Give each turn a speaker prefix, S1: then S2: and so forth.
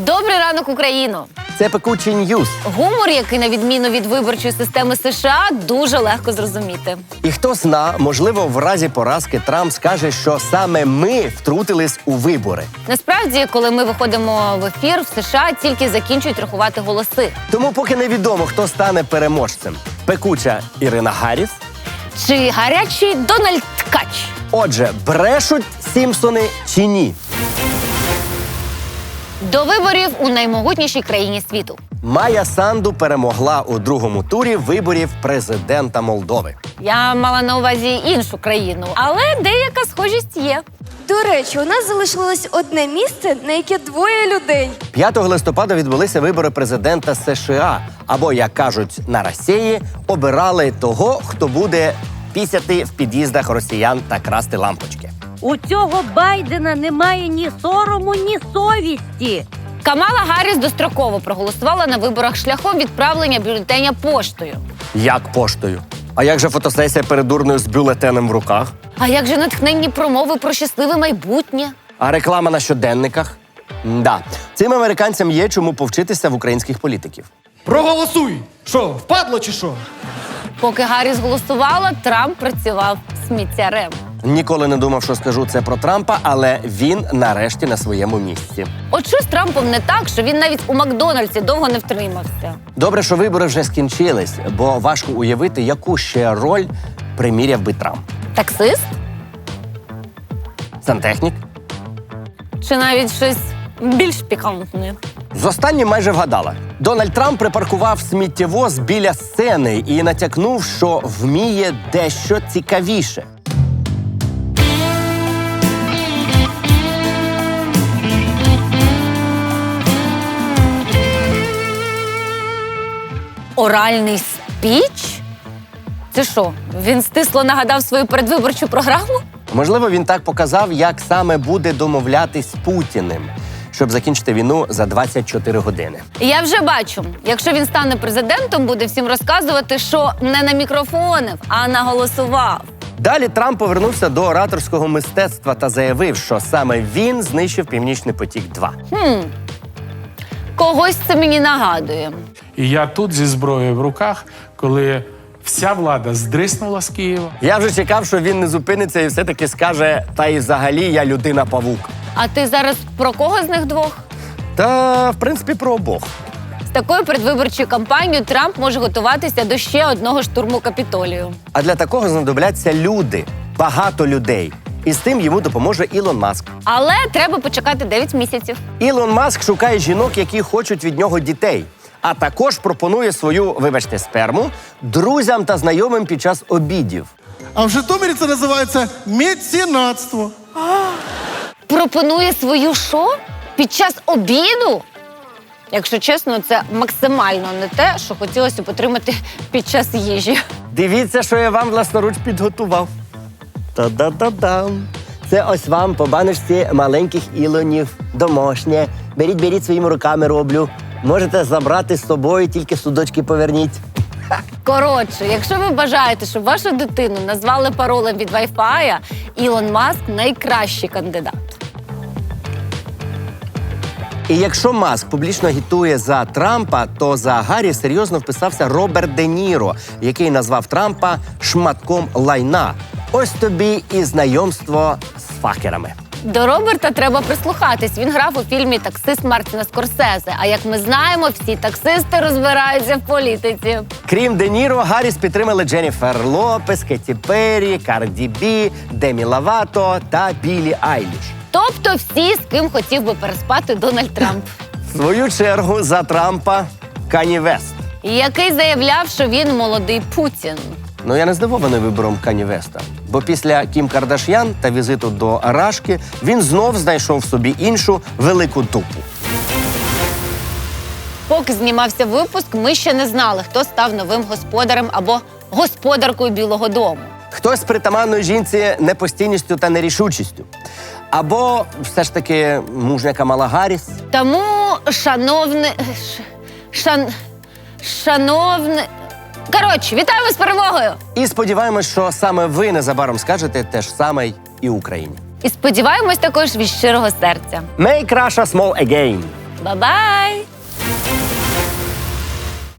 S1: Добрий ранок, Україно!
S2: Це пекучий ньюс.
S1: Гумор, який, на відміну від виборчої системи США, дуже легко зрозуміти.
S2: І хто зна, можливо, в разі поразки Трамп скаже, що саме ми втрутились у вибори.
S1: Насправді, коли ми виходимо в ефір, в США тільки закінчують рахувати голоси.
S2: Тому поки невідомо, хто стане переможцем. Пекуча Ірина Гарріс.
S1: Чи гарячий Дональд Ткач?
S2: Отже, брешуть Сімпсони чи ні?
S1: До виборів у наймогутнішій країні світу.
S2: Майя Санду перемогла у другому турі виборів президента Молдови.
S1: Я мала на увазі іншу країну, але деяка схожість є.
S3: До речі, у нас залишилось одне місце, на яке двоє людей.
S2: 5 листопада відбулися вибори президента США. Або, як кажуть на Росії, обирали того, хто буде пісяти в під'їздах росіян та красти лампочки.
S4: У цього Байдена немає ні сорому, ні совісті.
S1: Камала Гарріс достроково проголосувала на виборах шляхом відправлення бюлетеня поштою.
S2: Як поштою? А як же фотосесія перед урною з бюлетенем в руках?
S1: А як же натхненні промови про щасливе майбутнє?
S2: А реклама на щоденниках? Да. Цим американцям є чому повчитися в українських політиків.
S5: Проголосуй! Що, впадло чи що?
S1: Поки Гарріс голосувала, Трамп працював сміттярем.
S2: Ніколи не думав, що скажу це про Трампа, але він нарешті на своєму місці.
S1: От що з Трампом не так, що він навіть у Макдональдсі довго не втримався.
S2: Добре, що вибори вже скінчились, бо важко уявити, яку ще роль приміряв би Трамп.
S1: Таксист?
S2: Сантехнік?
S1: Чи навіть щось більш пікантне?
S2: З останнім майже вгадала. Дональд Трамп припаркував сміттєвоз біля сцени і натякнув, що вміє дещо цікавіше.
S1: Оральний спіч? Це що, він стисло нагадав свою передвиборчу програму?
S2: Можливо, він так показав, як саме буде домовлятись з Путіним, щоб закінчити війну за 24 години.
S1: Я вже бачу, якщо він стане президентом, буде всім розказувати, що не намікрофонив, а наголосував.
S2: Далі Трамп повернувся до ораторського мистецтва та заявив, що саме він знищив «Північний потік-2».
S1: Когось це мені нагадує.
S6: І я тут зі зброєю в руках, коли вся влада здриснула з Києва.
S2: Я вже чекав, що він не зупиниться і все-таки скаже, та і взагалі я людина-павук.
S1: А ти зараз про кого з них двох?
S2: Та, в принципі, про обох.
S1: З такою передвиборчою кампанією Трамп може готуватися до ще одного штурму Капітолію.
S2: А для такого знадобляться люди, багато людей. І з тим йому допоможе Ілон Маск.
S1: Але треба почекати 9 місяців.
S2: Ілон Маск шукає жінок, які хочуть від нього дітей. А також пропонує свою, вибачте, сперму друзям та знайомим під час обідів.
S5: А в Житомирі це називається меценатство.
S1: Пропонує свою шо? Під час обіду? Якщо чесно, це максимально не те, що хотілося б отримати під час їжі.
S2: Дивіться, що я вам власноруч підготував. Та-да-да-дам. Це ось вам по баночці маленьких Ілонів, домашнє. Беріть своїми руками роблю. Можете забрати з собою, тільки судочки поверніть.
S1: Коротше, якщо ви бажаєте, щоб вашу дитину назвали паролем від Wi-Fi, Ілон Маск – найкращий кандидат.
S2: І якщо Маск публічно агітує за Трампа, то за Гаррі серйозно вписався Роберт Де Ніро, який назвав Трампа шматком лайна. Ось тобі і знайомство з факерами.
S1: До Роберта треба прислухатись. Він грав у фільмі «Таксист» Мартіна Скорсезе. А як ми знаємо, всі таксисти розбираються в політиці.
S2: Крім Де Ніро, Гарріс підтримали Дженніфер Лопес, Кетті Перрі, Карді Бі, Демі Ловато та Біллі Айліш.
S1: Тобто всі, з ким хотів би переспати Дональд Трамп.
S2: В свою чергу за Трампа Кані Вест.
S1: Який заявляв, що він молодий Путін.
S2: Ну, я не здивований вибором Кані Веста. Бо після Кім Кардаш'ян та візиту до Рашки він знов знайшов собі іншу велику дупу.
S1: Поки знімався випуск, ми ще не знали, хто став новим господарем або господаркою Білого дому.
S2: Хтось з притаманною жінці непостійністю та нерішучістю. Або все ж таки мужня Камала Гарріс.
S1: Тому, шановне... Коротше, вітаємо з перемогою!
S2: І сподіваємось, що саме ви незабаром скажете те ж саме і Україні.
S1: І сподіваємось також від щирого серця.
S2: Make Russia small again.
S1: Ба-бай!